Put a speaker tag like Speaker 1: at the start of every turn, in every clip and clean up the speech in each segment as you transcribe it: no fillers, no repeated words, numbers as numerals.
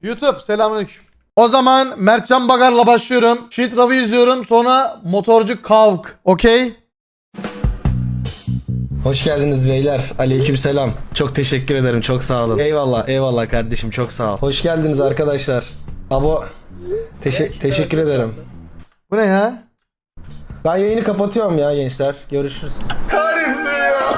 Speaker 1: YouTube selamünaleyküm. O zaman Mertcan Bagar'la başlıyorum. Shit Rav'ı izliyorum. Sonra Motorcu Kavk. Okey?
Speaker 2: Hoş geldiniz beyler. Aleykümselam. Çok teşekkür ederim. Çok sağ olun. Eyvallah, eyvallah kardeşim. Çok sağ ol. Hoş geldiniz arkadaşlar. Abo teşekkür ederim.
Speaker 1: Bu ne ya?
Speaker 2: Ben yayını kapatıyorum ya gençler. Görüşürüz. Kahretsin ya.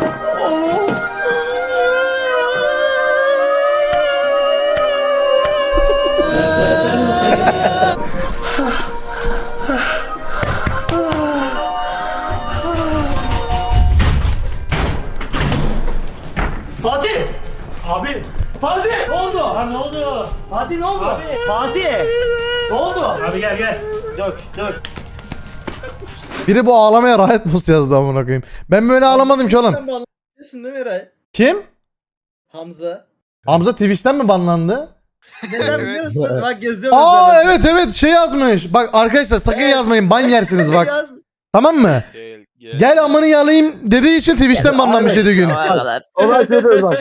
Speaker 3: Fatih!
Speaker 4: Abi.
Speaker 3: Fatih! Ne oldu?
Speaker 4: Lan ne oldu?
Speaker 3: Fatih ne oldu?
Speaker 4: Abi.
Speaker 3: Fatih! Ne oldu?
Speaker 4: Abi gel.
Speaker 3: Dök.
Speaker 1: Biri bu ağlamaya rahat mus yazdı amına koyayım. Ben böyle ağlamadım ki oğlum.
Speaker 5: Sen banlanıyorsun değil mi Eray?
Speaker 1: Kim?
Speaker 5: Hamza.
Speaker 1: Hamza Twitch'ten mi banlandı?
Speaker 5: Neden biliyor musun? Bak geziyorum.
Speaker 1: Aa evet şey yazmış. Bak arkadaşlar sakın yazmayın ban yersiniz bak. Tamam mı? Gel amını yalayayım dediği için Twitch'ten banlanmış 7 gün.
Speaker 6: Olay şöyle bak.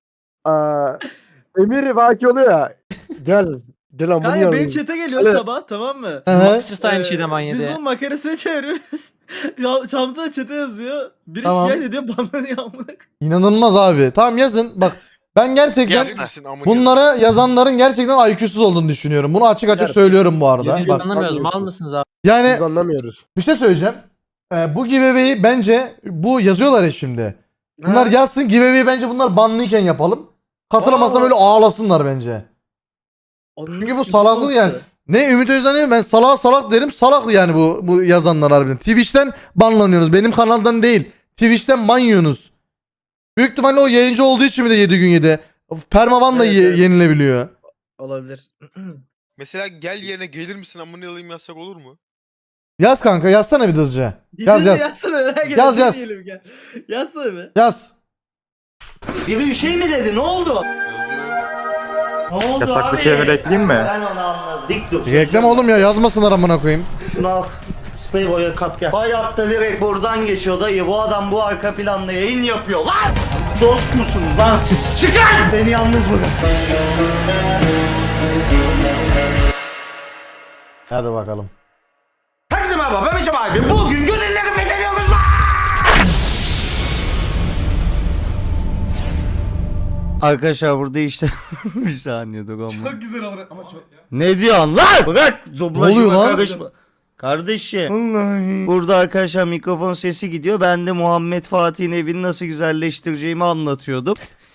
Speaker 6: Emir vaki oluyor ya. Gel. Gel amına
Speaker 5: Kanka
Speaker 6: yalayım.
Speaker 5: benim chat'e geliyor
Speaker 6: Evet.
Speaker 5: sabah tamam mı?
Speaker 1: Hı hı.
Speaker 7: Siz de aynı şeyden manyedi.
Speaker 5: Biz bunun makarasını çeviriyoruz. Ya Hamza da chat'e yazıyor. Biri
Speaker 1: Tamam.
Speaker 5: şikayet ediyor banlanıyor amına.
Speaker 1: İnanılmaz abi. Tamam yazın. Bak ben gerçekten
Speaker 8: Bunlara
Speaker 1: bunlara yazanların gerçekten IQ'suz olduğunu düşünüyorum. Bunu açık açık söylüyorum bu arada.
Speaker 7: Hiç
Speaker 1: Bak,
Speaker 7: anlamıyoruz. Mal mısınız abi?
Speaker 6: Biz
Speaker 1: yani
Speaker 6: anlamıyoruz.
Speaker 1: bir şey söyleyeceğim. Bu giveaway'i bence bu yazıyorlar ya şimdi. Bunlar yazsın giveaway'i bence bunlar banlıyken yapalım. Katılamazsam öyle ağlasınlar bence. Çünkü bu salaklık yani. Ne Ümit Özdağ ne ben salak derim. Salak yani bu yazanlar harbiden. Twitch'ten banlanıyorsunuz. Benim kanaldan değil. Twitch'ten ban yiyorsunuz. Büyük ihtimalle o yayıncı olduğu için bir de 7 gün yedi. Permavan da
Speaker 5: Evet.
Speaker 1: yenilebiliyor.
Speaker 5: Olabilir.
Speaker 8: Mesela gel yerine gelir misin amına alayım yazsak olur mu?
Speaker 1: Yaz kanka yazsana bir de hızlıca. Yaz.
Speaker 5: Yazsana merak ettim.
Speaker 1: Yaz.
Speaker 5: Diyelim, gel. Yazsana be.
Speaker 1: Yaz.
Speaker 3: Biri bir şey mi dedi? Ne oldu?
Speaker 4: Ne oldu
Speaker 6: Yasaklı
Speaker 4: abi?
Speaker 6: kemer ekleyeyim mi?
Speaker 3: Ben onu anladım. Dik dur.
Speaker 1: Reklam oğlum ya yazmasınlar amına koyayım.
Speaker 3: Şunu al. Sprey boya kap gel. Hayatta direkt buradan geçiyor dayı. Bu adam bu arka planda yayın yapıyor lan. Dost musunuz lan siz? Çıkın! Beni yalnız bırakın.
Speaker 1: Hadi bakalım.
Speaker 3: Herkese merhaba ben Mesut abi. Bugün gönülleri fethediyoruz lan. Arkadaşlar burada işte bir saniye dur ama.
Speaker 5: Çok güzel olur ama çok.
Speaker 3: Ne diyorsun lan? Bırak
Speaker 1: Ne
Speaker 3: dublajıma
Speaker 1: oluyor lan?
Speaker 3: karışma. Kardeşim. Burada arkadaşlar mikrofon sesi gidiyor. Ben de Muhammed Fatih'in evini nasıl güzelleştireceğimi anlatıyordum.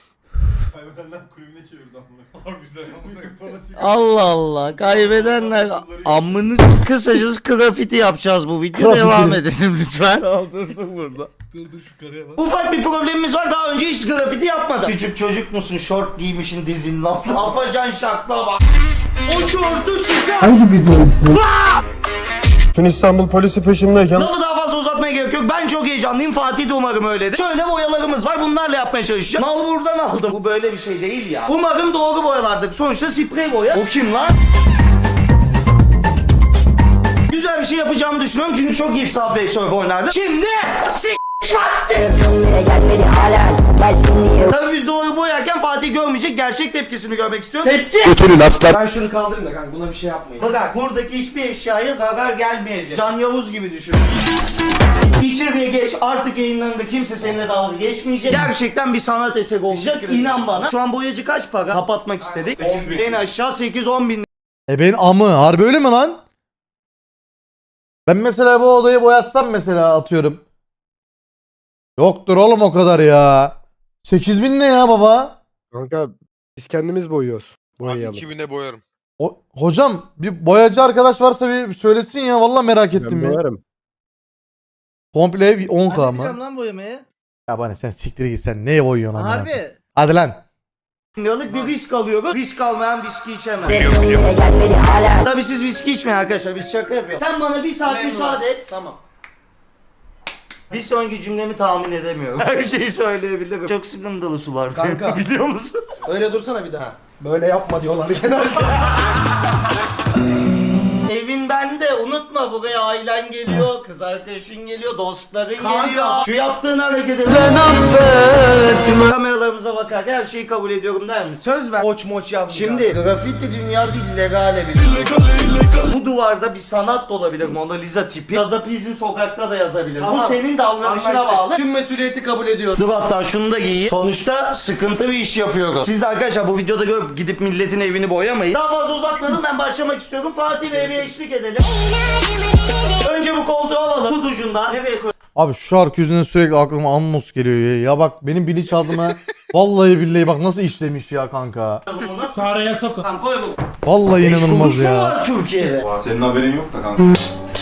Speaker 3: Allah Allah kaybedenler amını kısacası grafiti yapacağız bu video
Speaker 1: Grafiti.
Speaker 3: devam edelim lütfen. Durduk burada. Ufak bir problemimiz var daha önce hiç grafiti yapmadım. Küçük çocuk musun şort giymişin dizinin altına. Afacan şakla bak. O şortu çıkar.
Speaker 6: Tüm İstanbul polisi peşimdeyken
Speaker 3: Lafı daha fazla uzatmaya gerek yok. Ben çok heyecanlıyım. Fatih de umarım öyledir. Şöyle boyalarımız var. Bunlarla yapmaya çalışacağım. Mal buradan aldım. Bu böyle bir şey değil ya. Umarım doğru boyalardır. Sonuçta sprey boya. O kim lan? Güzel bir şey yapacağımı düşünüyorum. Çünkü çok iyi Subway Surf oynardı. Şimdi tabii biz doğru boyarken Fatih görmeyecek. Gerçek tepkisini görmek istiyorum. Tepki! Ben şunu kaldırayım da kanka buna bir şey yapmayın. Bak buradaki hiçbir eşyaya zarar gelmeyecek. Can Yavuz gibi düşün. İçeriye geç artık yayınlarında kimse seninle dalga geçmeyecek. Gerçekten bir sanat eseri olacak. İnan bana. Şu an boyacı kaç para? Kapatmak istedik. En aşağı 8-10 bin.
Speaker 1: Ben amı harbi öyle mi lan? Ben mesela bu odayı boyatsam mesela atıyorum. Yoktur oğlum o kadar ya. 8.000 ne ya baba?
Speaker 6: kanka biz kendimiz boyuyoruz.
Speaker 8: Abi
Speaker 6: Boyayalım.
Speaker 8: 2000'e boyarım.
Speaker 1: Hocam bir boyacı arkadaş varsa bir söylesin ya vallahi merak ettim
Speaker 6: Ben
Speaker 1: ya.
Speaker 6: boyarım.
Speaker 1: Komple ev 10K
Speaker 5: Hadi
Speaker 1: mı?
Speaker 5: biliyorum lan boyamayı.
Speaker 1: Ya bana sen siktir git sen neye boyuyorsun amına koyayım?
Speaker 5: Harbi.
Speaker 1: Hadi lan.
Speaker 3: Liralık bir risk alıyoruz. Risk almayan viski içemez. Tabii siz viski içmeyin arkadaşlar. Biz şaka yapıyoruz. Sen bana bir saat müsaade et. Tamam. Bir sonraki cümlemi tahmin edemiyorum. Her şeyi söyleyebilirim. Çok sıkıntılı sular.
Speaker 2: Kanka.
Speaker 3: Biliyor musun?
Speaker 2: Öyle dursana bir daha. Böyle yapma diyorlar genelde.
Speaker 3: Evin bende unutma Kanka buraya ailen geliyor, kız arkadaşın geliyor, dostların geliyor. Şu yaptığın hareketi kameralarımıza bakarken her şeyi kabul ediyorum der misin?
Speaker 2: Söz ver. Moç moç yaz.
Speaker 3: Şimdi grafiti dünyası illegale bir Bu duvarda bir sanat da olabilir, Mona Lisa tipi. Gazapizm sokakta da yazabilir.
Speaker 2: Tamam.
Speaker 3: Bu senin davranışına
Speaker 2: Anlaştık.
Speaker 3: bağlı.
Speaker 2: Tüm mesuliyeti kabul ediyorum.
Speaker 3: Dur hatta şunu da giyeyim. Sonuçta sıkıntı bir iş yapıyoruz. Siz de arkadaşlar bu videoda görüp gidip milletin evini boyamayın. Daha fazla uzatmadan ben başlamak istiyorum. Fatih Bey'e bir eşlik edelim. Önce bu koltuğu alalım. Tut ucundan. Nereye koyalım
Speaker 1: Abi şu şarkı yüzünden sürekli aklıma Anmos geliyor ya. Ya bak benim bilinçaltıma vallahi billahi bak nasıl işlemiş ya kanka.
Speaker 3: bunu?
Speaker 4: Şu araya sokun.
Speaker 3: Tamam koy bunu.
Speaker 1: Vallahi inanılmaz
Speaker 3: Kuruşu
Speaker 1: ya.
Speaker 3: var Türkiye'de.
Speaker 9: Senin haberin yok da kanka.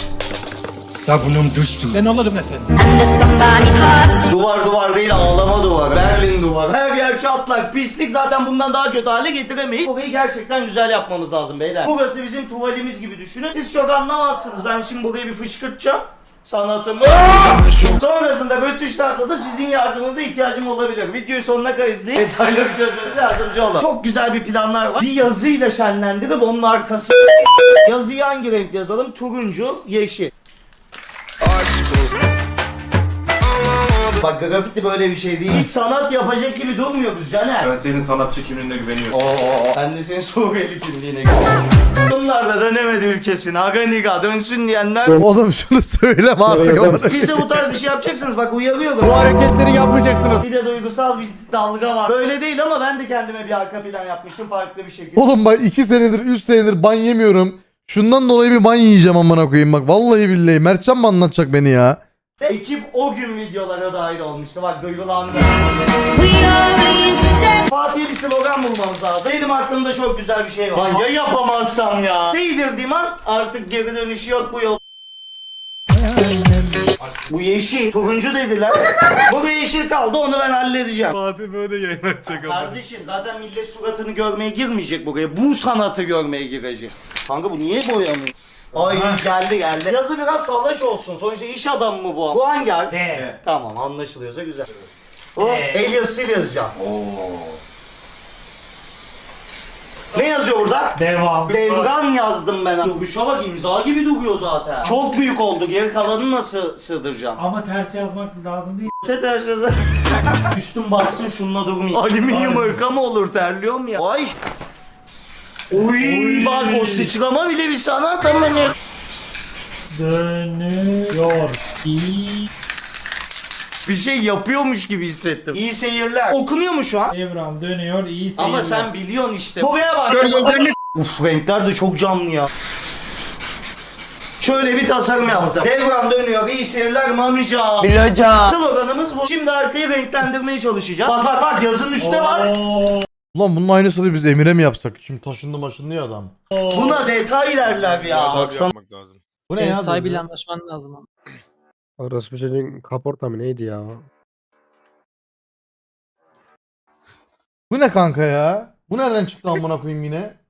Speaker 3: Duvar değil ağlama duvarı. Berlin duvarı. Her yer çatlak, pislik, zaten bundan daha kötü hale getiremeyiz. Burayı gerçekten güzel yapmamız lazım beyler. Burası bizim tuvalimiz gibi düşünün. Siz çok anlamazsınız. Ben şimdi burayı bir fışkırtacağım. Sanatımı. Sonrasında rötuşlarda da sizin yardımınıza ihtiyacım olabilir. Videoyu sonuna kadar izleyin. Detayları çözmemize yardımcı olun. Çok güzel bir planlar var. Bir yazıyla şenlendirip onun arkası. Yazıyı hangi renk yazalım? Turuncu, yeşil. Bak grafiti böyle bir şey değil. Hiç sanat yapacak gibi durmuyoruz Caner.
Speaker 9: Ben senin sanatçı kimliğine güveniyorum.
Speaker 3: Ben de senin Suriyeli kimliğine gidiyorum. Bunlar da dönemedi ülkesine. Aganiga dönsün diyenler.
Speaker 1: Oğlum şunu söyleme artık.
Speaker 3: Siz de bu tarz bir şey yapacaksınız. Bak uyarıyorum.
Speaker 6: Bu hareketleri yapmayacaksınız.
Speaker 3: Bir de duygusal bir dalga var. Böyle değil ama ben de kendime bir arka plan yapmıştım farklı bir şekilde.
Speaker 1: Oğlum bak 2 senedir 3 senedir ban yemiyorum. Şundan dolayı bir ban yiyeceğim amına koyayım bak. Vallahi billahi Mertcan mı anlatacak beni ya?
Speaker 3: Ekip o gün videolara dahil olmuştu. Bak duygulandı. Fatih'e bir slogan bulmamız lazım. Benim aklımda çok güzel bir şey var. Lan ya yapamazsam ya. Değdirdiğim an artık geri dönüşü yok bu yol. Bu yeşil. Turuncu dediler. Bu bir yeşil kaldı onu ben halledeceğim.
Speaker 6: Fatih böyle yayın açacak
Speaker 3: Kardeşim zaten millet suratını görmeye girmeyecek buraya. Bu sanatı görmeye girecek. Kanka bu niye boyamıyor? Ay geldi. Yazı biraz salaş olsun. Sonuçta iş adamı mı bu? Bu hangi harf?
Speaker 4: T.
Speaker 3: Tamam anlaşılıyorsa güzel. O el yazısıyla yazacağım. Ne yazıyor burada?
Speaker 4: Devam.
Speaker 3: Devran yazdım ben. Duruşa bak imza gibi duruyor zaten. Çok büyük oldu. Geri kalanını nasıl sığdıracağım?
Speaker 4: Ama ters yazmak lazım değil.
Speaker 3: Tedersiz. Üstüm batsın şununla durmayayım. Alüminyum ırka mı olur terliyorum ya. Ay. Oy. Bak o sıçrama bile bir sanat ama ne?
Speaker 4: Dönüyor.
Speaker 3: Bir şey yapıyormuş gibi hissettim. İyi seyirler. Okunuyor mu şu an?
Speaker 4: Evran dönüyor. İyi seyirler.
Speaker 3: Ama sen biliyorsun işte. Buraya bak. Uf renkler de çok canlı ya. Şöyle bir tasarım yaptım. Devran dönüyor. İyi seyirler Mamica.
Speaker 7: Biloca.
Speaker 3: Sloganımız bu. Şimdi arkayı renklendirmeye çalışacağım. Bak yazın üstte var.
Speaker 4: Oo.
Speaker 1: Ulan bunun aynısını biz Emir'e mi yapsak? Şimdi taşındı maşındı ya adam.
Speaker 3: Buna detay derler ya.
Speaker 8: Tabii
Speaker 3: Baksana.
Speaker 8: yapmak lazım.
Speaker 1: Bu ne
Speaker 7: Ev
Speaker 1: ya?
Speaker 7: sahibiyle anlaşman lazım. ama.
Speaker 6: Orası bir şeyin kaporta mı neydi ya?
Speaker 1: Bu ne kanka ya? Bu nereden çıktı amına koyayım yine?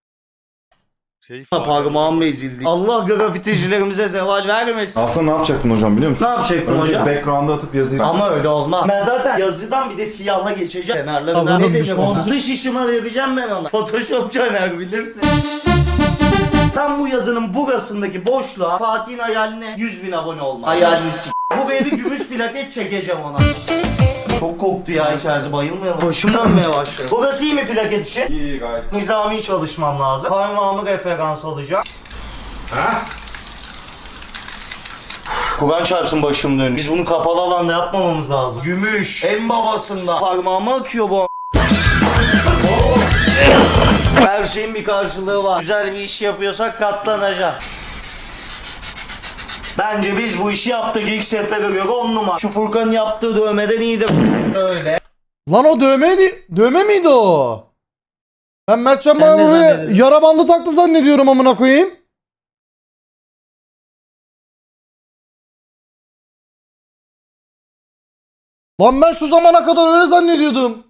Speaker 3: Parmağım ezildi. Allah grafiticilerimize zeval vermesin.
Speaker 9: Aslında ne yapacaktın hocam biliyor musun?
Speaker 3: Ne yapacaktım
Speaker 9: Önce
Speaker 3: hocam?
Speaker 9: background'a atıp yazıyı...
Speaker 3: Ama öyle olmaz. Ben zaten yazıdan bir de siyahla geçeceğim. Kenarlarından
Speaker 1: Tamam,
Speaker 3: ne
Speaker 1: bir
Speaker 3: diyeceğim ona?
Speaker 4: kontrol-
Speaker 3: Dış işime vereceğim ben ona. Photoshop Caner bilirsin. Tam bu yazının burasındaki boşluğa Fatih'in hayaline 100.000 abone olmak. Hayalini s***. Buraya bir gümüş plaket çekeceğim ona. Çok koktu ya içerisi bayılmayalım. Başım dönmeye başladı. Burası iyi mi plaket için?
Speaker 9: İyi gayet.
Speaker 3: Nizami çalışmam lazım. Parmağımı referans alacağım. Kur'an çarpsın başım dönüyor. Biz bunu kapalı alanda yapmamamız lazım. Gümüş. En babasında. Parmağıma akıyor bu. Her şeyin bir karşılığı var. Güzel bir iş yapıyorsak katlanacağız. Bence biz bu işi yaptık ilk sefere göre 10 numara. Şu Furkan'ın yaptığı dövmeden iyidir. Öyle.
Speaker 1: Lan o dövme miydi o? Ben Mertcan
Speaker 7: Sen
Speaker 1: bana
Speaker 7: ne
Speaker 1: buraya
Speaker 7: zannediyorsun?
Speaker 1: yara bandı taktı zannediyorum amına koyayım. Lan ben şu zamana kadar öyle zannediyordum.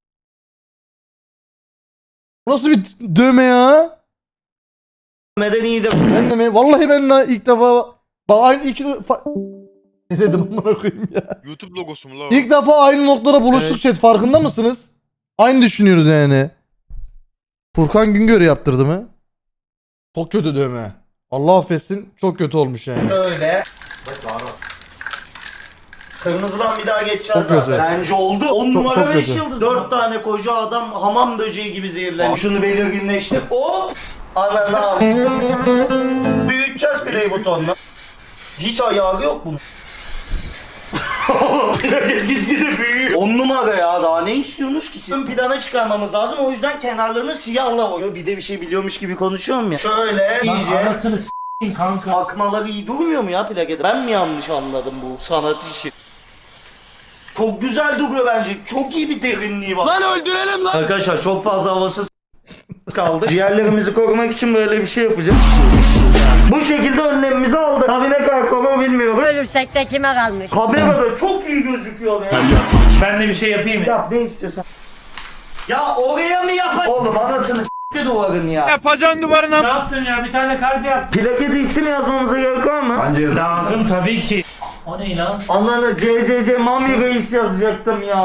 Speaker 1: Bu nasıl bir dövme ya?
Speaker 3: Dövmeden iyidir.
Speaker 1: Ben de mi? Vallahi ben de ilk defa bak aynı ne dedim amına koyayım ya.
Speaker 8: YouTube logosu mu la o?
Speaker 1: İlk defa aynı noktada buluştuk chat farkında mısınız? Aynı düşünüyoruz yani. Furkan Güngör yaptırdı mı? Çok kötü dövme. Allah affetsin çok kötü olmuş yani.
Speaker 3: Böyle. Kırmızıdan bir daha geçeceğiz
Speaker 1: Çok
Speaker 3: zaten.
Speaker 1: kötü.
Speaker 3: Bence oldu. 10 numara
Speaker 1: çok
Speaker 3: 5
Speaker 1: kötü.
Speaker 3: yıldız. 4 tane koca adam hamam böceği gibi zehirlenmiş. Şunu belirginleştir. Hop. Ananı al. Büyüteceğiz play butonunu. Hiç ayağı yok bunun. Gitgide büyüyor. 10 numara ya, daha ne istiyorsunuz ki siz? Ön plana çıkarmamız lazım, o yüzden kenarlarını siyahla boyuyor. Bir de bir şey biliyormuş gibi konuşuyorum ya. Şöyle iyice.
Speaker 4: Anasını s***in kanka.
Speaker 3: Akmaları iyi durmuyor mu ya plakede? Ben mi yanlış anladım bu sanat işi? Çok güzel duruyor bence. Çok iyi bir derinliği var. Lan öldürelim lan. Arkadaşlar çok fazla havasız kaldı. Ciğerlerimizi korumak için böyle bir şey yapacağız. Bu şekilde önlemimizi aldık. Tabii ne kadar koru bilmiyorum.
Speaker 10: Ölürsek de kime kalmış?
Speaker 3: Kamerada çok iyi gözüküyor be.
Speaker 4: Ben de bir şey yapayım mı?
Speaker 3: Yap ne istiyorsan. Ya oraya mı yapayım? Oğlum anasını s**ti duvarın ya.
Speaker 6: Yapacaksın duvarına.
Speaker 4: Ne yaptın ya? Bir tane kalp yaptım.
Speaker 3: Plakede isim yazmamıza gerek var mı?
Speaker 9: Bence yazın.
Speaker 4: Lazım tabii ki. O ne lan?
Speaker 3: Ananı CCC Mami Reis yazacaktım ya.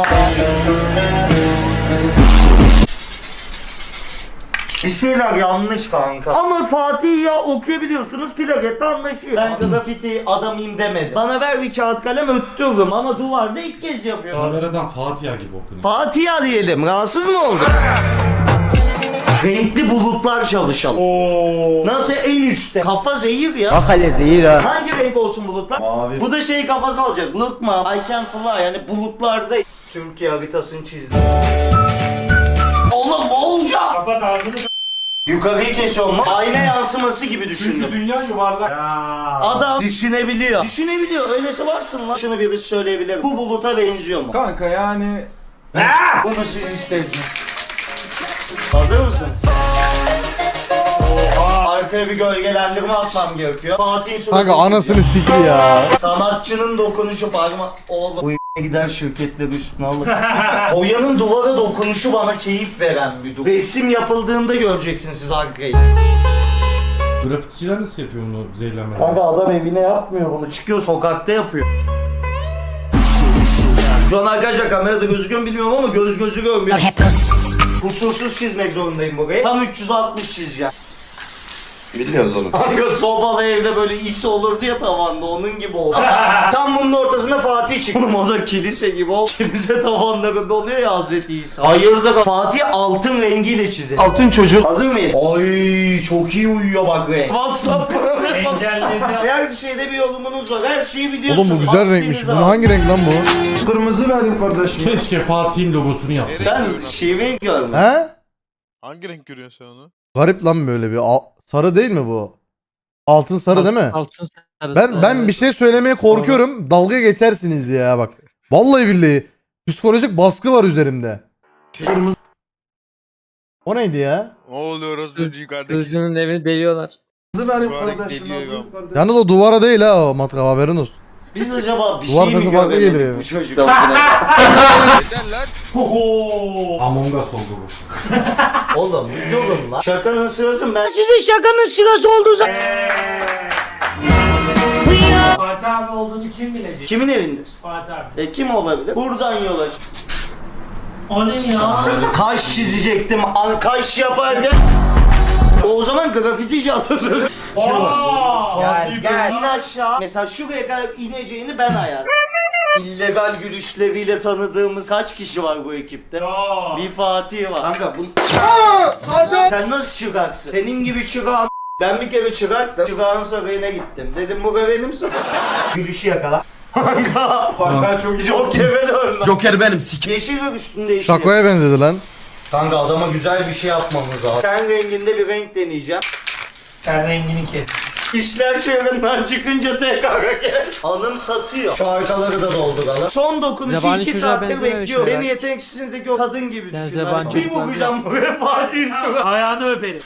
Speaker 3: Bir şeyler yanlış kanka. Ama Fatih ya okuyabiliyorsunuz, plakette anlaşıyor. Ben grafiti adamıyım demedim. Bana ver bir kağıt kalem öttürürüm ama duvarda ilk kez yapıyorum.
Speaker 4: Kameradan Fatiha gibi okunuyor.
Speaker 3: Fatiha diyelim. Rahatsız mı oldun? Renkli bulutlar çalışalım. Nasıl en üstte? Kafa zehir ya.
Speaker 5: Bak hele zehir ha.
Speaker 3: Hangi renk olsun bulutlar?
Speaker 9: Mavi.
Speaker 3: Bu da şey kafası alacak. Look mom, I can fly. Yani bulutlarda Türkiye haritasını çizdim. Oğlum olacak.
Speaker 4: Kapat ağzını.
Speaker 3: Yukarıyı kesiyorum mu? Ayna yansıması gibi düşündüm.
Speaker 4: Dünya yuvarlak.
Speaker 3: Adam düşünebiliyor. Düşünebiliyor. Öylesi varsın lan. Şunu birisi söyleyebilir. Bu buluta benziyor mu?
Speaker 9: Kanka yani
Speaker 3: Bunu siz istediniz. Hazır mısınız? Arkaya bir gölgelendirme atmam gerekiyor. Fatih'in suratını
Speaker 1: Kanka anasını sikti ya.
Speaker 3: sanatçının dokunuşu parma... Oğlum bu gider şirketleri üstüne alır. Oya'nın duvara dokunuşu bana keyif veren bir durum. Resim yapıldığında göreceksiniz siz arkayı.
Speaker 4: Grafiticiler nasıl yapıyor bunu zehirlenmeden?
Speaker 3: Kanka adam evine yapmıyor bunu. Çıkıyor sokakta yapıyor. Şu an arkadaşlar kamerada gözüküyor mu bilmiyorum ama gözü görmüyor. Kusursuz çizmek zorundayım burayı. Tam 360 çizeceğim.
Speaker 9: biliyoruz onu.
Speaker 3: Kanka sobalı evde böyle is olurdu ya tavanda, onun gibi oldu. Tam bunun ortasında Fatih çıktı. Oğlum o da kilise gibi oldu. Kilise tavanlarında oluyor ya Hazreti İsa. Hayırdır Fatih altın rengiyle çizelim. Altın çocuk. Hazır mıyız? Ay çok iyi uyuyor bak renk. WhatsApp
Speaker 4: Engelledi.
Speaker 3: her şeyde bir yorumunuz var. Her şeyi biliyorsun.
Speaker 1: Oğlum bu güzel renkmiş.
Speaker 3: Vaktiniz
Speaker 1: Bu
Speaker 3: var.
Speaker 1: hangi renk lan bu?
Speaker 9: Kırmızı verin kardeşim.
Speaker 4: Keşke Fatih'in logosunu yapsın.
Speaker 3: Sen şiveyi görme.
Speaker 1: He?
Speaker 8: Hangi renk görüyorsun sen onu?
Speaker 1: Garip lan böyle bir. Sarı değil mi bu? Altın sarı değil mi?
Speaker 7: Altın sarısı.
Speaker 1: Ben bir şey söylemeye korkuyorum. Dalga geçersiniz diye ya bak. Vallahi billahi. Psikolojik baskı var üzerimde. O neydi ya?
Speaker 8: Ne oluyor az önce yukarıdaki?
Speaker 7: Kızcının evini deliyorlar.
Speaker 9: Kırmızı verin
Speaker 8: Mübarek
Speaker 9: kardeşim.
Speaker 8: geliyor ya.
Speaker 1: Yalnız o duvara değil ha o matkap haberin olsun.
Speaker 3: Biz acaba bir
Speaker 1: Duvar
Speaker 3: şey mi
Speaker 1: sesi farklı
Speaker 3: göremedik
Speaker 1: geliyor.
Speaker 3: bu çocuktan?
Speaker 8: Yeter lan.
Speaker 4: Among Us oldu bu.
Speaker 3: Oğlum bir durun lan. Şakanın sırası mı? Ben sizin şakanın sırası olduğu zaman...
Speaker 4: Fatih abi olduğunu kim bilecek?
Speaker 3: Kimin evindesin?
Speaker 4: Fatih abi.
Speaker 3: Kim olabilir? Buradan yola çık.
Speaker 4: O ne ya?
Speaker 3: Kaş çizecektim. Kaş yaparken... O zaman grafitici atasözü. Gel in aşağı. Mesela şuraya kadar ineceğini ben ayarladım. İllegal gülüşleriyle tanıdığımız kaç kişi var bu ekipte? Bir Fatih var. Kanka bu... Sen nasıl çıkaksın? Senin gibi çıkan... Ben bir kere çıkarttım. Çıkağın sarayına gittim. Dedim bu benim sarayım. Gülüşü yakala. Kanka. Bak çok Joker'e döndüm.
Speaker 6: Joker benim
Speaker 3: Yeşil ve üstünde yeşil.
Speaker 1: Şakoya benzedi lan.
Speaker 3: Kanka adama güzel bir şey yapmamız lazım. Ten renginde bir renk deneyeceğim.
Speaker 4: Sen rengini kes.
Speaker 3: İşler çevremden çıkınca tekrar kes. Hanım satıyor. Şu arkaları da dolduralım. Son dokunuşu
Speaker 7: Yabani
Speaker 3: 2
Speaker 7: çocuğa
Speaker 3: saattir
Speaker 7: benziyor
Speaker 3: bekliyor.
Speaker 7: şeyler.
Speaker 3: Beni yeteneksizliğindeki o kadın gibi
Speaker 7: Sen
Speaker 3: düşün.
Speaker 7: yabani
Speaker 3: Bir
Speaker 7: çocuklar
Speaker 3: vuracağım buraya Fatih'in suratı.
Speaker 4: Ayağını öperim.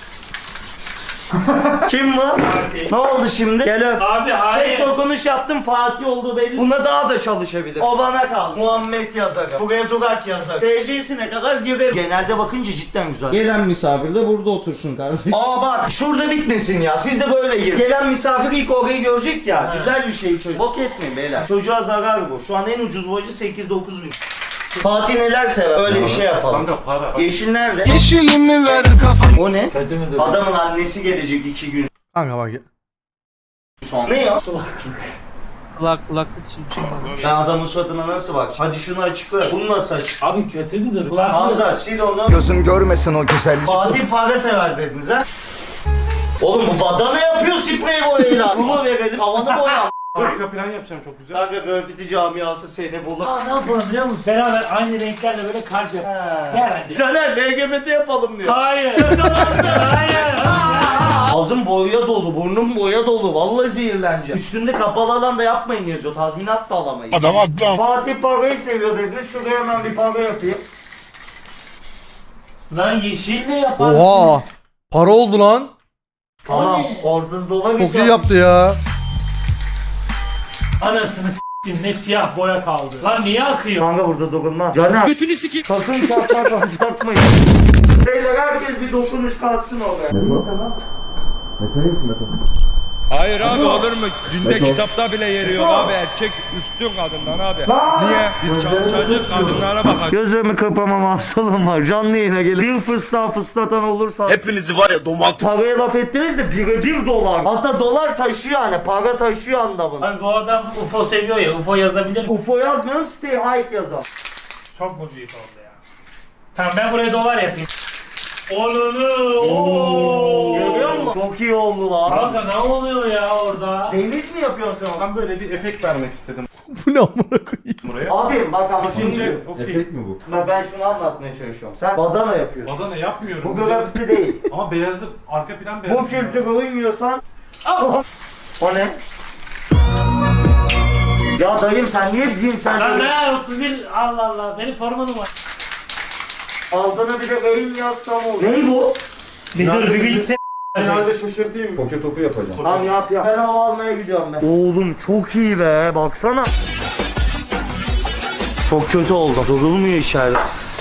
Speaker 3: Kim var? Ne oldu şimdi? Gel öp.
Speaker 4: Abi
Speaker 3: Tek
Speaker 4: hayır.
Speaker 3: dokunuş yaptım Fatih olduğu belli. Buna daha da çalışabilir. O bana kaldı. Muhammed yazarım. Buraya Durak yazar. TC'sine kadar girerim. Genelde bakınca cidden güzel. Gelen misafir de burada otursun kardeşim. Aa bak şurada bitmesin ya. Siz de böyle girin. Gelen misafir ilk orayı görecek ya. Güzel bir şey çocuk. Bok etmeyin beyler. Çocuğa zarar bu. Şu an en ucuz boyacı 8-9 bin. Fatih neler sever? Öyle bir şey yapalım.
Speaker 4: Kanka para.
Speaker 3: Yeşil nerede?
Speaker 6: Yeşilimi ver kafam.
Speaker 3: O ne?
Speaker 4: Kötü müdür?
Speaker 3: Adamın annesi gelecek 2 gün.
Speaker 1: Kanka bak ya.
Speaker 3: Ne ya?
Speaker 7: Kulaklık çizmişim.
Speaker 3: Ben adamın suratına nasıl bak? Hadi şunu açıkla. Bunu nasıl açık?
Speaker 4: Abi kötü müdür? Kulak
Speaker 3: Hamza sil onu.
Speaker 9: Gözüm görmesin o güzelliği.
Speaker 3: Fatih para sever dediniz ha? Oğlum bu badana yapıyor sprey boyayla. Bunu verelim havanı boya.
Speaker 6: Arka plan yapacağım çok güzel.
Speaker 3: Kanka grafiti camiası seni bulur.
Speaker 4: Aa, ne yapalım biliyor musun? Beraber aynı renklerle böyle kalp yap. Gel hadi.
Speaker 3: Caner LGBT yapalım diyor.
Speaker 4: Hayır. Hayır.
Speaker 3: Ağzım boya dolu, burnum boya dolu. Vallahi zehirleneceğim. Üstünde kapalı alanda yapmayın yazıyor. Tazminat da alamayız.
Speaker 9: Adam adam.
Speaker 3: Fatih parayı seviyor dedi. Şuraya hemen bir para yapayım.
Speaker 4: Lan yeşil ne yaparsın?
Speaker 1: Oha. Para oldu lan.
Speaker 3: Tamam.
Speaker 4: ne?
Speaker 3: Orada dolar
Speaker 1: Çok iyi yaptı ya.
Speaker 4: Anasını s**tim ne siyah boya kaldı. Lan niye akıyor?
Speaker 3: Kanka burada dokunmaz. Caner.
Speaker 7: Götünü sikeyim.
Speaker 3: Sakın çarpmayın. Beyler herkes bir dokunuş kalsın oraya.
Speaker 10: Hayır abi olur mu? Dinde kitapta bile yeri yok abi. Erkek üstün kadından abi. Niye? Biz çalışacak kadınlara bakacağız.
Speaker 3: Gözlerimi kapamam hastalığım var. Canlı yayına gelin. Bir fıslatan olursa.
Speaker 9: Hepinizi var ya domat.
Speaker 3: Paraya laf ettiniz de birebir dolar. Hatta dolar taşıyor yani. Para taşıyor anlamında.
Speaker 4: Abi bu adam UFO seviyor ya. UFO yazabilir mi?
Speaker 3: UFO yazmıyorum, stay high yazalım.
Speaker 4: Çok mu büyük oldu ya? Tamam ben buraya dolar yapayım. Ooo.
Speaker 3: Görüyor musun? Çok iyi oldu lan.
Speaker 4: Kanka ne oluyor ya orada?
Speaker 3: Deniz mi yapıyorsun sen?
Speaker 6: Ben böyle bir efekt vermek istedim
Speaker 1: Bu ne amına koyayım.
Speaker 6: buraya.
Speaker 3: Abi bak ama
Speaker 6: Şimdi
Speaker 3: şimdi
Speaker 6: okey.
Speaker 9: mi bu?
Speaker 3: ben şunu anlatmaya çalışıyorum. Sen badana yapıyorsun.
Speaker 6: Badana yapmıyorum.
Speaker 3: Bu grafiti değil.
Speaker 6: Ama beyazı arka plan beyaz.
Speaker 3: Bu kültüre uymuyorsan... O ne? Ya dayım sen niye cinsel
Speaker 4: Lan
Speaker 3: böyle...
Speaker 4: ne 31 Allah Allah benim formanım var.
Speaker 3: Altına bir de beyin yazsam olur. Ne bu?
Speaker 4: Bir dur bir gitsin.
Speaker 9: Herhalde şaşırtayım. Poke topu yapacağım.
Speaker 3: Tamam yap yap. Ben hava almaya gidiyorum ben. Oğlum çok iyi be baksana. Çok kötü oldu. Durulmuyor içeride.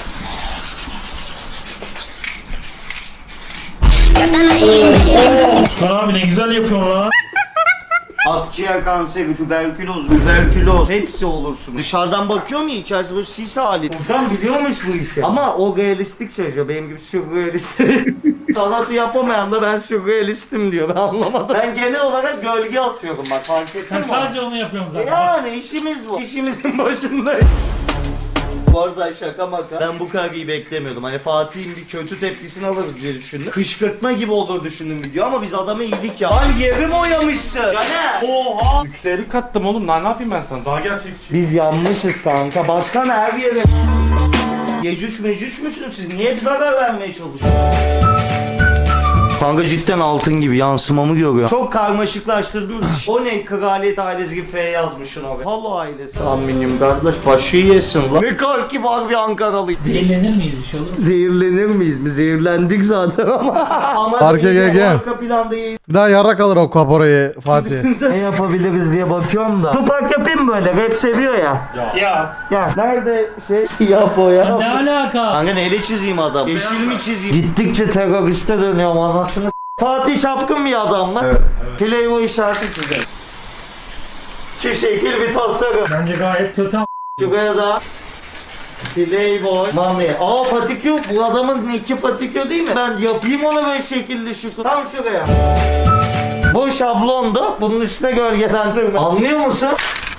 Speaker 4: Lan abi ne güzel yapıyorsun lan.
Speaker 3: Akciğer kanseri, tüberküloz hepsi olursun. Dışarıdan bakıyorum ya içerisi böyle sis hali. Sen biliyormuş bu işi. Ama o realistik çalışıyor. Benim gibi sürrealist. Sanatı yapamayan da ben sürrealistim diyor. Ben anlamadım. Ben genel olarak gölge atıyorum bak fark ettin
Speaker 4: Sen
Speaker 3: mi?
Speaker 4: sadece onu yapıyorsun zaten.
Speaker 3: Yani işimiz bu. İşimizin başındayız. Bu arada şaka maka. Ben bu kadar iyi beklemiyordum. Hani Fatih'in bir kötü tepkisini alırız diye düşündüm. Kışkırtma gibi olur düşündüm video ama biz adama iyilik ya. Lan yerim oyamışsın. Ya ne?
Speaker 4: Oha.
Speaker 6: 3'te kattım oğlum. Ne yapayım ben sana? Daha gerçekçi.
Speaker 3: Biz yanmışız kanka. Baksana her yere. Yecüc mecüc müsünüz siz? Niye bize haber vermeye çalışıyorsunuz? Kanka cidden altın gibi yansımamı görüyor. Çok karmaşıklaştırdınız iş. O ne kraliyet ailesi gibi F yazmışsın oraya. Halo ailesi. Aminim kardeş başı yesin lan. Ne kadar kibar bir Ankaralıyız.
Speaker 4: Zehirlenir miyiz bir şey olur mu?
Speaker 3: Zehirlenir miyiz mi? Zehirlendik zaten ama.
Speaker 1: Arka gel.
Speaker 3: Arka planda iyi.
Speaker 1: Bir daha yarrak alır o kaporayı Fatih.
Speaker 3: Ne yapabiliriz diye bakıyorum da. Tupak yapayım böyle. Rap seviyor ya.
Speaker 4: Ya.
Speaker 3: Ya nerede şey siyah boya?
Speaker 4: Ne alaka?
Speaker 3: Kanka neyle çizeyim adam? Yeşil mi çizeyim? Gittikçe teröriste dönüyorum anasını s- Fatih çapkın bir adam mı? Evet. Playboy işareti çizelim. Şu şekil bir tasarım.
Speaker 4: Bence gayet kötü ama.
Speaker 3: Şuraya da Playboy Mami. Aa patikyo. Bu adamın nicki patikyo değil mi? Ben yapayım ona böyle şekilli şu. Tam şuraya. Bu şablonda bunun üstüne gölgelendirme. Anlıyor musun?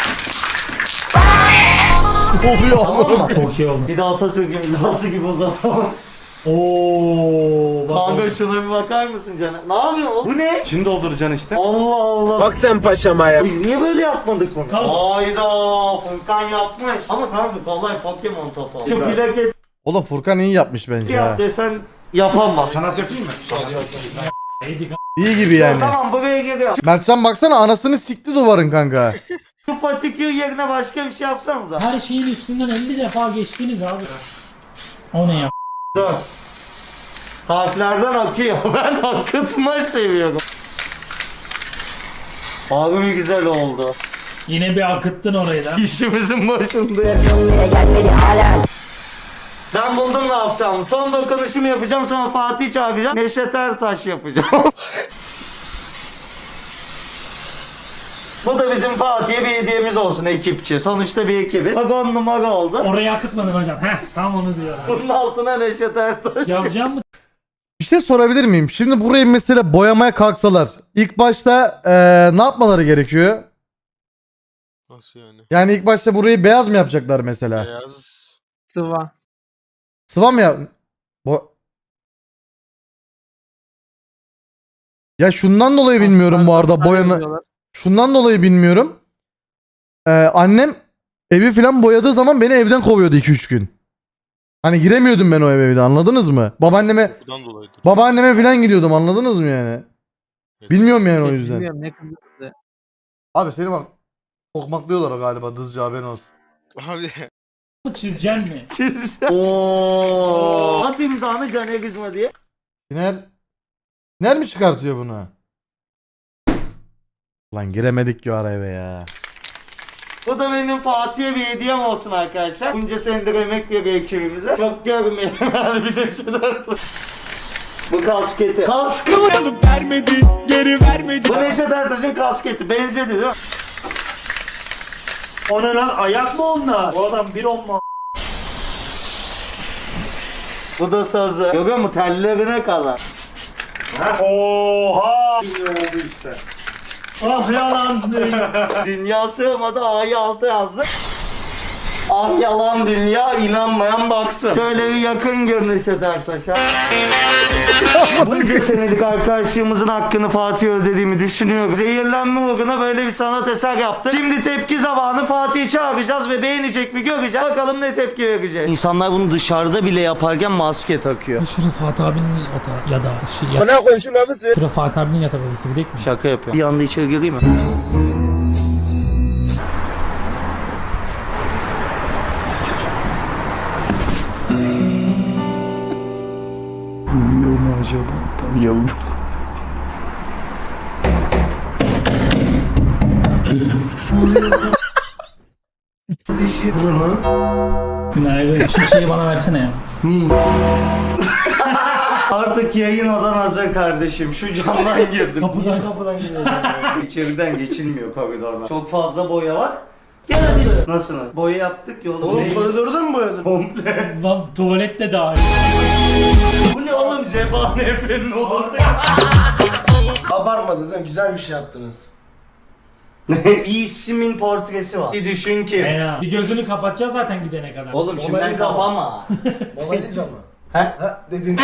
Speaker 1: Ne oluyor
Speaker 3: Tamam
Speaker 1: amına?
Speaker 3: mı?
Speaker 4: Çok iyi oldu.
Speaker 3: Bir de Atatürk imzası gibi uzatalım.
Speaker 4: Ooo.
Speaker 3: Kanka şuna bir bakar mısın Caner? Ne yapıyorsun oğlum? Bu ne?
Speaker 6: İçini dolduracaksın işte.
Speaker 3: Allah Allah.
Speaker 6: Bak sen paşama ya.
Speaker 3: Biz niye böyle yapmadık bunu?
Speaker 4: Tamam.
Speaker 3: Hayda Furkan yapmış. Ama kanka kolay Pokemon topu. Şu plaket
Speaker 1: Oğlum Furkan iyi yapmış bence ha.
Speaker 3: yap desen yapamaz.
Speaker 6: Sanat yapayım mı?
Speaker 1: İyi gibi yani.
Speaker 3: Tamam buraya geliyor.
Speaker 1: Mertcan baksana anasını sikti duvarın kanka.
Speaker 3: Şu patikür yerine başka bir şey yapsanıza.
Speaker 4: Her şeyin üstünden 50 defa geçtiniz abi. O ne ya?
Speaker 3: Dur. Harflerden akıyor. Ben akıtma seviyorum. Abi güzel oldu.
Speaker 4: Yine bir akıttın orayı da.
Speaker 3: İşimizin başında. Ben buldum ne yapacağım. Son dokunuşumu yapacağım sonra Fatih çağıracağım. Neşet Ertaş yapacağım. Bu da bizim Fatih'e bir hediyemiz olsun ekipçi. Sonuçta bir ekibiz. Bak 10 numara oldu.
Speaker 4: Orayı akıtmadın hocam. Heh tam onu diyorum.
Speaker 3: Bunun altına Neşet Ertaş.
Speaker 4: Yazacağım mı?
Speaker 1: Bir şey sorabilir miyim? Şimdi burayı mesela boyamaya kalksalar ilk başta ne yapmaları gerekiyor?
Speaker 8: Nasıl yani?
Speaker 1: Yani ilk başta burayı beyaz mı yapacaklar mesela?
Speaker 8: Beyaz.
Speaker 7: Sıva.
Speaker 1: Sıva mı yap? Ya şundan dolayı bilmiyorum bu arada boyama. Şundan dolayı bilmiyorum. Annem evi falan boyadığı zaman beni evden kovuyordu 2-3 gün. Hani giremiyordum ben o eve bir de, anladınız mı?
Speaker 8: Bundan dolayıdır.
Speaker 1: Babaanneme falan gidiyordum, anladınız mı yani? Bilmiyorum yani o yüzden.
Speaker 7: Bilmiyorum ne kızı.
Speaker 1: Abi seni bak kokmaklıyorlar galiba, dızcı, haberin olsun.
Speaker 8: Abi
Speaker 4: Çizeceksin mi?
Speaker 3: Ooo. At imzanı Caner Kızma diye.
Speaker 1: Siner mi çıkartıyor bunu? Lan giremedik ki o araya be ya.
Speaker 3: Bu da benim Fatih'e bir hediyem olsun arkadaşlar. Bunca senedir emek veriyor ekibimize. Çok görmeyelim yani, bir de şunu. Bu kasketi. Kaskı mı?
Speaker 10: Vermedi, geri vermedi.
Speaker 3: Bu Neşet Ertaş'ın kasketi. Benzedi değil mi?
Speaker 4: O ne lan? Ayak mı onlar? O adam bir olma.
Speaker 3: Bu da sazı. Görüyor musun? Tellerine kadar.
Speaker 4: Oha! Ah yalan.
Speaker 3: Dünya sığmadı, A'yı altı yazdık. Ah yalan dünya, inanmayan baksın. Şöyle bir yakın gör Neşet Ertaş'a. Bunca senelik arkadaşlığımızın hakkını Fatih ödediğimi düşünüyorum. Zehirlenme uğruna böyle bir sanat eser yaptık. Şimdi tepki zamanı, Fatih'i çağıracağız ve beğenecek mi göreceğiz. Bakalım ne tepki verecek. İnsanlar bunu dışarıda bile yaparken maske takıyor.
Speaker 4: Şurada Fatih abinin ya da şey.
Speaker 9: Bana koy şu lafı söyle.
Speaker 4: Şurada Fatih abinin yatak odası bir mi?
Speaker 3: Şaka yapıyor. Bir anda içeri gireyim mi?
Speaker 4: Günaydın. Şu şeyi bana versene ya.
Speaker 3: Artık yayın odan hazır kardeşim. Şu camdan girdim.
Speaker 4: Kapıdan geliyor.
Speaker 3: İçeriden geçilmiyor koridordan. Çok fazla boya var. Gel hadi. Nasılsınız? Boya yaptık yolda.
Speaker 9: Oğlum koridorda mı boyadın?
Speaker 3: Komple.
Speaker 4: Lan tuvalet de dahil.
Speaker 3: Bu ne oğlum? Zebani Efe'nin odası.
Speaker 9: Abartmadınız ha, güzel bir şey yaptınız.
Speaker 3: Bir ismin portresi var. Bir düşün ki.
Speaker 4: Fena. Bir gözünü kapatacağız zaten gidene kadar.
Speaker 3: Oğlum şimdiden
Speaker 9: Mona Lisa mı?
Speaker 3: kapama.
Speaker 9: Mona Lisa mı?
Speaker 3: He?
Speaker 9: Ha dedin.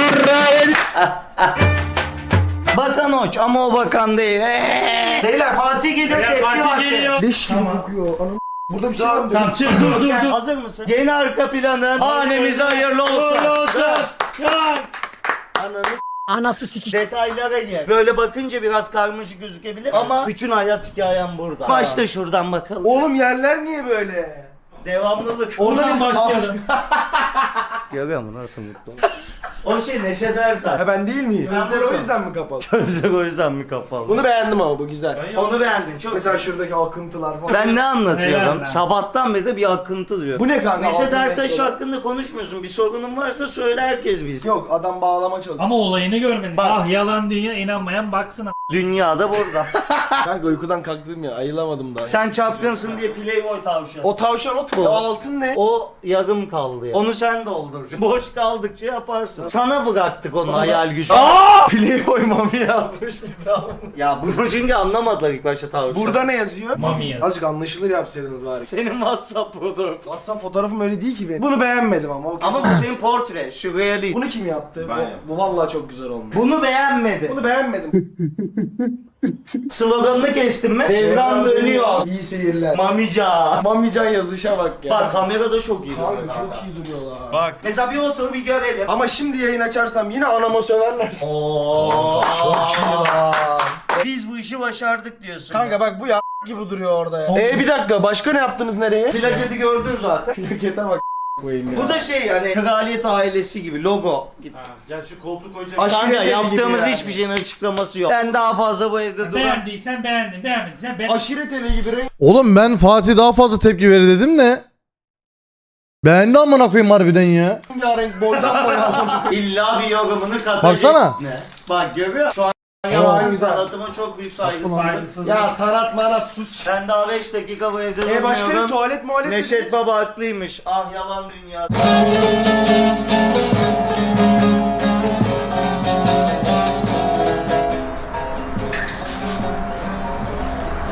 Speaker 3: Bakan hoş ama o bakan değil. Beyler Fatih geliyor.
Speaker 4: Ya
Speaker 3: tepki
Speaker 4: Fatih
Speaker 3: vakti.
Speaker 4: geliyor.
Speaker 9: Leş gibi
Speaker 4: Tamam.
Speaker 9: kokuyor. Anam. Burada bir şey var mı?
Speaker 4: Tamam çık dur.
Speaker 3: Hazır mısın? Yeni arka planın hanemize hayırlı olsun.
Speaker 4: Ya.
Speaker 3: Anası sikiş. Detaylara gel. Böyle bakınca biraz karmaşık gözükebilir ama bütün hayat hikayem burada. Başta şuradan bakalım.
Speaker 9: Oğlum yerler niye böyle?
Speaker 3: Devamlılık.
Speaker 4: Oradan başlayalım.
Speaker 3: Görüyor musun nasıl mutlu? O şey Neşet Ertaş.
Speaker 9: Ha ben değil miyiz? Gözler o yüzden mi kapalı?
Speaker 3: Gözler o yüzden mi kapalı?
Speaker 9: Bunu beğendim ama bu güzel.
Speaker 3: Onu beğendin çok.
Speaker 9: Mesela şuradaki akıntılar falan.
Speaker 3: Ben ne anlatıyorum?
Speaker 4: Helal.
Speaker 3: Sabahtan beri de bir akıntı diyor.
Speaker 9: Bu ne kanka?
Speaker 3: Neşet
Speaker 9: Altın
Speaker 3: Ertaş
Speaker 9: renkli olan.
Speaker 3: hakkında konuşmuyorsun. Bir sorunun varsa söyle, herkes bilsin.
Speaker 9: Yok adam bağlama çalışıyor.
Speaker 4: Ama olayını görmedin.
Speaker 9: Bak.
Speaker 4: Ah yalan dünya, inanmayan baksın.
Speaker 3: Dünyada burada.
Speaker 9: Kanka uykudan kalktım ya, ayılamadım daha.
Speaker 3: Sen çapkınsın diye Playboy tavşan.
Speaker 9: O tavşan o
Speaker 3: Bu.
Speaker 9: altın ne?
Speaker 3: O yarım kaldı ya. Onu sen dolduracaksın. Boş kaldıkça yaparsın. Sana bıraktık onu hayal gücü.
Speaker 9: Playboy mami yazmış bir daha.
Speaker 3: Ya bunu çünkü anlamadılar ilk başta tavşan.
Speaker 9: Burada ne yazıyor?
Speaker 4: Mami yaz.
Speaker 9: Azıcık anlaşılır yapsaydınız bari.
Speaker 3: Senin WhatsApp fotoğrafı.
Speaker 9: WhatsApp fotoğrafım öyle değil ki benim. Bunu beğenmedim ama. O
Speaker 3: Ama bu senin portre. Sürrealist.
Speaker 9: Bunu kim yaptı? Bu vallahi çok güzel olmuş.
Speaker 3: Bunu beğenmedi.
Speaker 9: Bunu beğenmedim.
Speaker 3: Sloganını kestirme. Devran dönüyor.
Speaker 9: İyi seyirler.
Speaker 3: Mamica.
Speaker 9: Mamican yazışa bak ya.
Speaker 3: Bak kamerada çok iyi.
Speaker 9: Kanka
Speaker 3: duruyor.
Speaker 9: çok iyi duruyorlar.
Speaker 6: Bak.
Speaker 3: Mesela bir otur bir görelim.
Speaker 9: Ama şimdi yayın açarsam yine anama söverler.
Speaker 3: Oo.
Speaker 9: Çok iyi lan.
Speaker 3: Biz bu işi başardık diyorsun.
Speaker 9: Kanka bak bu ya gibi duruyor orada ya. Bir dakika başka ne yaptınız nereye?
Speaker 3: Plaketi gördün zaten.
Speaker 9: Plakete bak koyayım ya.
Speaker 3: Bu da şey yani kraliyet ailesi gibi logo gibi.
Speaker 6: Ha, ya şu koltuk koyacak.
Speaker 9: Aşiret
Speaker 3: Kanka
Speaker 9: evi
Speaker 3: yaptığımız
Speaker 9: gibi yani.
Speaker 3: hiçbir şeyin açıklaması yok. Ben daha fazla bu evde duramam.
Speaker 4: Beğendiysen beğendin, beğenmediysen beğendin.
Speaker 9: Aşiret evi gibi renk.
Speaker 1: Oğlum ben Fatih daha fazla tepki verir dedim de. Beğendi amına koyayım harbiden ya.
Speaker 9: Renk boydan boya.
Speaker 3: İlla bir yorumunu katacak.
Speaker 1: Baksana.
Speaker 3: Ne? Bak görüyor musun? Şu an
Speaker 9: an
Speaker 3: yalan
Speaker 9: güzel.
Speaker 3: sanatıma çok büyük saygısızlık.
Speaker 4: Saygısızlık.
Speaker 9: Ya sanat manat sus.
Speaker 3: Ben daha 5 dakika bu evde
Speaker 9: Başka
Speaker 3: durmuyorum.
Speaker 9: tuvalet muhalet.
Speaker 3: Neşet Baba haklıymış. Ah yalan dünya.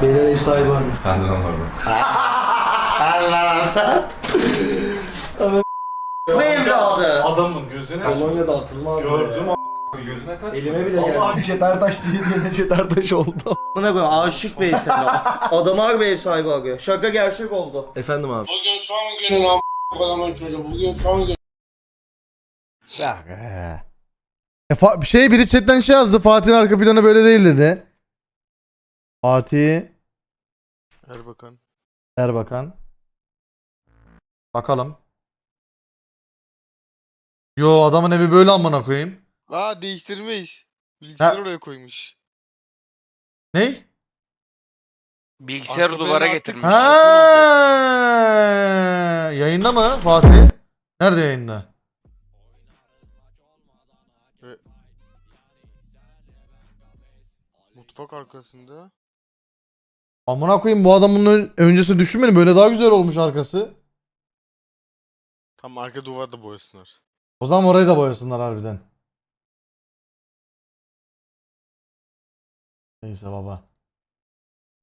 Speaker 2: Beyler ev sahibi var.
Speaker 3: Ve evladı.
Speaker 6: Adamın gözüne
Speaker 2: Polonya'da atılmaz.
Speaker 6: gördüm gözüne kaç.
Speaker 2: Elime bile geldi. Neşet Ertaş diye Neşet Ertaş oldu.
Speaker 3: Buna koyayım aşık Veysel. Adam harbi ev sahibi arıyor. Şaka gerçek oldu.
Speaker 2: Efendim abi.
Speaker 9: Bugün son günün a*********** çocuğu. Bugün son gün.
Speaker 1: Biri chatten şey yazdı. Fatih'in arka planı böyle değil dedi. Fatih
Speaker 8: Erbakan.
Speaker 1: Erbakan. Bakalım. Yo adamın evi böyle amına koyayım.
Speaker 8: Aa değiştirmiş. Bilgisayarı
Speaker 1: Ha.
Speaker 8: oraya koymuş.
Speaker 1: Ney?
Speaker 8: Bilgisayarı
Speaker 10: Arka
Speaker 8: duvara
Speaker 10: plana
Speaker 8: getirmiş.
Speaker 1: Ha, yayında mı Fatih? Nerede yayında?
Speaker 8: Mutfak arkasında.
Speaker 1: Amına koyayım bu adamın öncesi düşünmedim. Böyle daha güzel olmuş arkası.
Speaker 8: Tam arka duvarda boyasınlar.
Speaker 1: O zaman orayı da boyasınlar harbiden. Neyse baba.